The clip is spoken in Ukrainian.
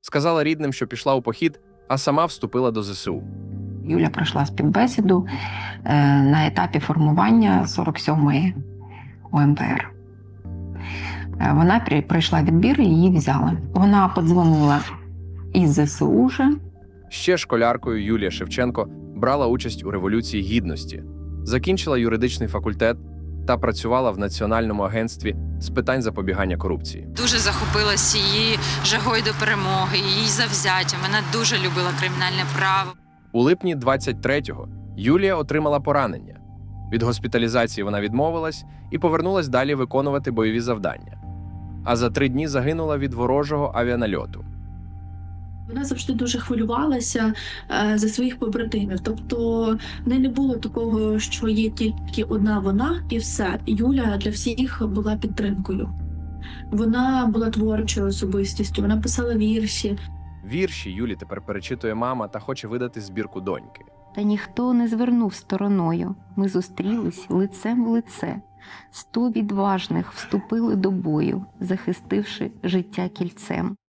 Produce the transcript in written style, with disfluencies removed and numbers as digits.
Сказала рідним, що пішла у похід, а сама вступила до ЗСУ. Юля пройшла співбесіду на етапі формування 47-ї ОМПР. Вона пройшла відбір і її взяли. Вона подзвонила із ЗСУ вже. Ще школяркою Юлія Шевченко брала участь у Революції Гідності, закінчила юридичний факультет та працювала в Національному агентстві з питань запобігання корупції. Дуже захопилась її жагою до перемоги, її завзяттям. Вона дуже любила кримінальне право. У липні 23-го Юлія отримала поранення. Від госпіталізації вона відмовилась і повернулась далі виконувати бойові завдання. А за 3 дні загинула від ворожого авіанальоту. Вона завжди дуже хвилювалася за своїх побратимів. Тобто в неї не було такого, що є тільки одна вона і все. Юля для всіх була підтримкою. Вона була творчою особистістю, вона писала вірші. Вірші Юлі тепер перечитує мама та хоче видати збірку доньки. Та ніхто не звернув стороною. Ми зустрілись лицем в лице. 100 відважних вступили до бою, захистивши життя кільцем.